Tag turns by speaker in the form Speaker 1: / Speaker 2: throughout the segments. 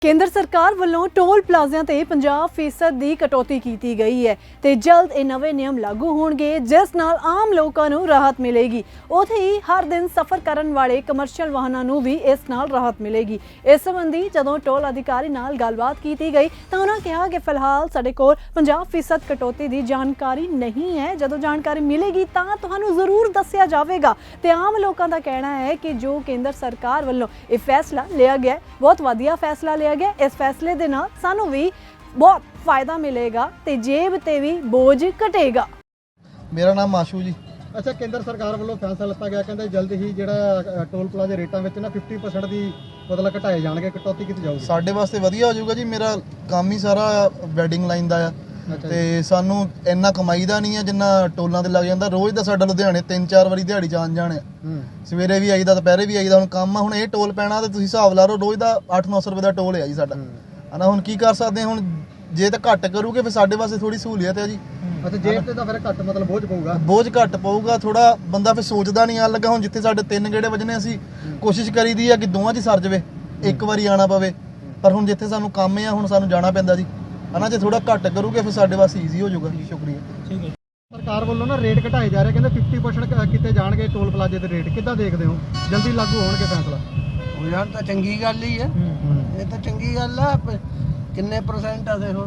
Speaker 1: ਕੇਂਦਰ ਸਰਕਾਰ ਵੱਲੋਂ ਟੋਲ ਪਲਾਜ਼ਿਆਂ ਤੇ 50% ਦੀ ਕਟੌਤੀ ਕੀਤੀ ਗਈ ਹੈ ਤੇ ਜਲਦ ਇਹ ਨਵੇਂ ਨਿਯਮ ਲਾਗੂ ਹੋਣਗੇ ਜਿਸ ਨਾਲ ਆਮ ਲੋਕਾਂ ਨੂੰ ਰਾਹਤ ਮਿਲੇਗੀ। ਉੱਥੇ ਹੀ ਹਰ ਦਿਨ ਸਫ਼ਰ ਕਰਨ ਵਾਲੇ ਕਮਰਸ਼ੀਅਲ ਵਾਹਨਾਂ ਨੂੰ ਵੀ ਇਸ ਨਾਲ ਰਾਹਤ ਮਿਲੇਗੀ। ਇਸ ਸੰਬੰਧੀ ਜਦੋਂ ਟੋਲ ਅਧਿਕਾਰੀ ਨਾਲ ਗੱਲਬਾਤ ਕੀਤੀ ਗਈ ਤਾਂ ਉਹਨਾਂ ਕਿਹਾ ਕਿ ਫਿਲਹਾਲ ਸਾਡੇ ਕੋਲ 50% ਕਟੌਤੀ ਦੀ ਜਾਣਕਾਰੀ ਨਹੀਂ ਹੈ। ਜਦੋਂ ਜਾਣਕਾਰੀ ਮਿਲੇਗੀ ਤਾਂ ਤੁਹਾਨੂੰ ਜ਼ਰੂਰ ਦੱਸਿਆ ਜਾਵੇਗਾ। ਤੇ ਆਮ ਲੋਕਾਂ ਦਾ ਕਹਿਣਾ ਹੈ ਕਿ ਜੋ ਕੇਂਦਰ ਸਰਕਾਰ ਵੱਲੋਂ ਇਹ ਫੈਸਲਾ ਲਿਆ ਗਿਆ ਬਹੁਤ ਵਧੀਆ ਫੈਸਲਾ ਲਿਆ ਗਿਆ। इस फैसले दे नाल सानू भी बहुत फायदा मिलेगा ते जेब ते भी बोझ घटेगा।
Speaker 2: मेरा नाम माशू जी।
Speaker 3: अच्छा, केंद्र सरकार वालों फैसला लिता गया कहते जल्द ही ਜਿਹੜਾ ਟੋਲ ਪਲਾਜ਼ੇ ਰੇਟਾਂ ਵਿੱਚ ਨਾ 50% ਦੀ ਮਤਲਬ ਘਟਾਏ ਜਾਣਗੇ, ਕਟੌਤੀ ਕੀਤੀ ਜਾਊਗੀ।
Speaker 2: ਸਾਡੇ ਵਾਸਤੇ ਵਧੀਆ ਹੋ ਜਾਊਗਾ ਜੀ। ਮੇਰਾ ਕੰਮ ਹੀ ਸਾਰਾ ਵੈਡਿੰਗ ਲਾਈਨ ਦਾ ਆ ਤੇ ਸਾਨੂੰ ਇੰਨਾ ਕਮਾਈ ਦਾ ਨਹੀਂ ਆ ਜਿੰਨਾ ਟੋਲਾਂ ਤੇ ਲੱਗ ਜਾਂਦਾ। ਰੋਜ਼ ਦਾ ਸਾਡਾ ਲੁਧਿਆਣੇ 3-4 ਵਾਰੀ ਦਿਹਾੜੀ ਜਾਣ ਆ। ਸਵੇਰੇ ਵੀ ਆਈਦਾ, ਦੁਪਹਿਰੇ ਵੀ ਆਈਦਾ। ਹੁਣ ਕੰਮ ਆ, ਹੁਣ ਇਹ ਟੋਲ ਪੈਣਾ ਤੇ ਤੁਸੀਂ ਹਿਸਾਬ ਲਾ ਲਓ ਰੋਜ਼ ਦਾ 800-900 ਰੁਪਏ ਦਾ ਟੋਲ ਹੈ ਜੀ ਸਾਡਾ ਹਨਾ। ਹੁਣ ਕੀ ਕਰ ਸਕਦੇ ਹੁਣ, ਜੇ ਤਾਂ ਘੱਟ ਕਰੂਗੇ ਫਿਰ ਸਾਡੇ ਵਾਸਤੇ ਥੋੜੀ ਸਹੂਲੀਅਤ ਹੈ ਜੀ।
Speaker 3: ਅੱਛਾ, ਜੇਬ ਤੇ ਤਾਂ ਫਿਰ ਘੱਟ ਮਤਲਬ ਬੋਝ ਪਊਗਾ,
Speaker 2: ਬੋਝ ਘੱਟ ਪਊਗਾ ਥੋੜਾ। ਬੰਦਾ ਫਿਰ ਸੋਚਦਾ ਨਹੀਂ ਆਣ ਲੱਗਾ। ਹੁਣ ਜਿੱਥੇ ਸਾਡੇ 3 ਗੇੜੇ ਵੱਜਣੇ ਅਸੀਂ ਕੋਸ਼ਿਸ਼ ਕਰੀਦੀ ਆ ਕਿ ਦੋਵਾਂ 'ਚ ਸਰ ਜਾਵੇ, ਇੱਕ ਵਾਰੀ ਆਣਾ ਪਵੇ। ਪਰ ਹੁਣ ਜਿੱਥੇ ਸਾਨੂੰ ਕੰਮ ਆ ਹੁਣ ਸਾਨੂੰ ਜਾਣਾ ਪੈਂਦਾ ਜੀ ਹਨਾ। ਜੇ ਥੋੜਾ ਘੱਟ ਕਰੂਗੇ ਫਿਰ ਸਾਡੇ ਵਾਸਤੇ ਈਜ਼ੀ ਹੋ ਜਾਊਗਾ। ਸ਼ੁਕਰੀਆ।
Speaker 3: ਠੀਕ ਹੈ। ਸਰਕਾਰ ਵੱਲੋਂ ਨਾ ਰੇਟ ਘਟਾਏ ਜਾ ਰਹੇ, ਕਹਿੰਦੇ 50% ਕੀਤੇ ਜਾਣਗੇ ਟੋਲ ਪਲਾਜ਼ੇ ਦੇ ਰੇਟ। ਕਿੱਦਾਂ ਦੇਖਦੇ ਹੋ, ਜਲਦੀ ਲਾਗੂ ਹੋਣਗੇ ਫੈਸਲਾ?
Speaker 4: ਉਹ ਯਾਰ ਤਾਂ ਚੰਗੀ ਗੱਲ ਹੀ ਹੈ, ਇਹ ਤਾਂ ਚੰਗੀ ਗੱਲ ਆ। ਕਿੰਨੇ ਪਰਸੈਂਟ ਆ ਦੇਖੋ।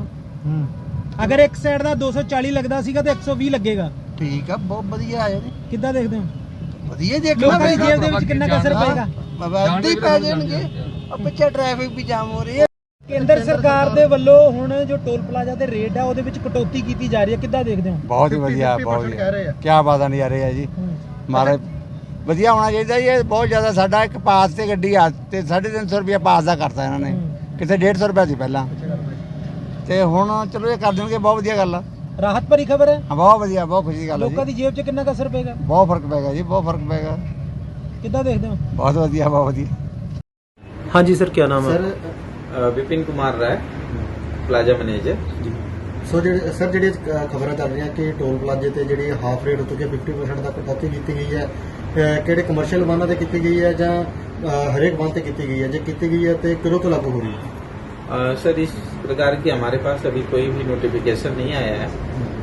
Speaker 5: ਅਗਰ ਇੱਕ ਸਾਈਡ ਦਾ 240 ਲੱਗਦਾ ਸੀਗਾ ਤੇ 120 ਲੱਗੇਗਾ।
Speaker 4: ਠੀਕ ਆ, ਬਹੁਤ ਵਧੀਆ ਹੈ ਜੀ।
Speaker 5: ਕਿੱਦਾਂ ਦੇਖਦੇ ਹੋ?
Speaker 4: ਵਧੀਆ ਦੇਖਣਾ।
Speaker 5: ਲੋਕਾਂ ਦੀ ਜੇਬ ਦੇ ਵਿੱਚ ਕਿੰਨਾ ਕੁ ਅਸਰ ਪਏਗਾ?
Speaker 4: ਵੱਧ ਹੀ ਪੈ ਜਾਣਗੇ। ਪਿੱਛੇ ਟ੍ਰੈਫਿਕ ਵੀ ਜਾਮ ਹੋ ਰਹੀ ਹੈ।
Speaker 5: ਕੇਂਦਰ ਸਰਕਾਰ ਦੇ ਵੱਲੋਂ ਹੁਣ ਜੋ ਟੋਲ ਪਲਾਜ਼ਾ ਦੇ ਰੇਟ ਆ ਉਹਦੇ ਵਿੱਚ ਕਟੌਤੀ ਕੀਤੀ ਜਾ ਰਹੀ ਹੈ, ਕਿੱਦਾਂ ਦੇਖਦੇ ਹੋ?
Speaker 6: ਬਹੁਤ ਹੀ ਵਧੀਆ, ਬਹੁਤ
Speaker 3: ਕਹਿ ਰਹੇ ਆ।
Speaker 6: ਕੀ ਬਾਤਾਂ ਨਹੀਂ ਆ ਰਹੀ ਹੈ ਜੀ। ਮਾਰੇ ਵਧੀਆ ਹੋਣਾ ਚਾਹੀਦਾ ਜੀ। ਇਹ ਬਹੁਤ ਜ਼ਿਆਦਾ ਸਾਡਾ ਇੱਕ ਪਾਸ ਤੇ ਗੱਡੀ ਆ ਤੇ 350 ਰੁਪਏ ਪਾਸ ਦਾ ਕਰਤਾ ਇਹਨਾਂ ਨੇ, ਕਿਤੇ 150 ਰੁਪਏ ਸੀ ਪਹਿਲਾਂ ਤੇ ਹੁਣ ਚਲੋ ਇਹ ਕਰ ਦੇਣਗੇ, ਬਹੁਤ ਵਧੀਆ ਗੱਲ ਆ।
Speaker 5: ਰਾਹਤ ਭਰੀ ਖਬਰ ਹੈ।
Speaker 6: ਹਾਂ, ਬਹੁਤ ਵਧੀਆ, ਬਹੁਤ ਖੁਸ਼ੀ ਦੀ ਗੱਲ ਹੈ
Speaker 5: ਲੋਕਾਂ ਦੀ ਜੇਬ 'ਚ ਕਿੰਨਾ ਕੁ ਅਸਰ ਪਏਗਾ?
Speaker 6: ਬਹੁਤ ਫਰਕ ਪਏਗਾ ਜੀ, ਬਹੁਤ ਫਰਕ ਪਏਗਾ।
Speaker 5: ਕਿੱਦਾਂ ਦੇਖਦੇ ਹੋ?
Speaker 6: ਬਹੁਤ ਵਧੀਆ, ਬਹੁਤ ਵਧੀਆ।
Speaker 7: हाँ जी सर, क्या नाम है?
Speaker 3: Sir
Speaker 7: Vipin Kumar Rai, plaza manager.
Speaker 3: So sir ਜਿਹੜੀਆਂ ਖਬਰਾਂ ਚੱਲ ਰਹੀਆਂ ਕਿ ਟੋਲ ਪਲਾਜ਼ੇ ਤੇ ਜਿਹੜੀ ਹਾਫ ਰੇਟ ਉੱਤੇ 50% ਦਾ ਕਟੌਤੀ ਕੀਤੀ ਗਈ ਹੈ, ਕਿਹੜੇ ਕਮਰਸ਼ੀਅਲ ਵਾਹਨਾਂ ਤੇ ਕੀਤੀ ਗਈ ਹੈ ਜਾਂ ਹਰੇਕ ਵਾਹਨ ਤੇ ਕੀਤੀ ਗਈ ਹੈ? ਜੇ ਕੀਤੀ ਗਈ ਹੈ ਤੇ ਕਦੋਂ ਤੋਂ ਲਾਗੂ ਹੋ ਰਹੀ ਹੈ?
Speaker 7: सर इस प्रकार की हमारे पास अभी कोई भी नोटिफिकेशन नहीं आया है,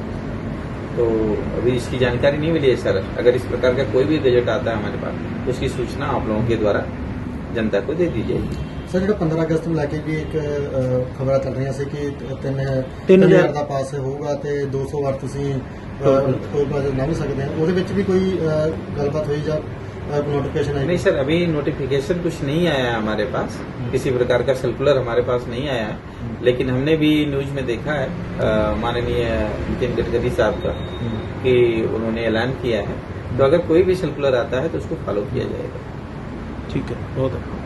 Speaker 7: तो अभी इसकी जानकारी नहीं मिली है सर। अगर इस प्रकार का कोई भी गजट आता है हमारे पास तो उसकी सूचना आप लोगों के द्वारा जनता को दे दी जाएगी।
Speaker 3: ਸਰ ਜਿਹੜਾ 15 ਅਗਸਤ ਨੂੰ ਲੈ ਕੇ ਵੀ ਇੱਕ ਖਬਰਾਂ ਚੱਲ ਰਹੀਆਂ ਸੀ ਕਿ 3000 ਦਾ ਪਾਸ ਹੋਊਗਾ ਤੇ 200 ਵਾਰ ਤੁਸੀਂ ਟੋਲ ਪਲਾਜ਼ਾ ਲੰਘ ਸਕਦੇ ਹੋ, ਉਹਦੇ ਵਿੱਚ ਵੀ ਕੋਈ ਗੱਲਬਾਤ ਹੋਈ ਜਾਂ नोटिफिकेशन है?
Speaker 7: नहीं सर, अभी नोटिफिकेशन कुछ नहीं आया है हमारे पास, किसी प्रकार का सर्कुलर हमारे पास नहीं आया है। लेकिन हमने भी न्यूज में देखा है माननीय नितिन गडकरी साहब का कि उन्होंने ऐलान किया है, तो अगर कोई भी सर्कुलर आता है तो उसको फॉलो किया जाएगा।
Speaker 5: ठीक है, बहुत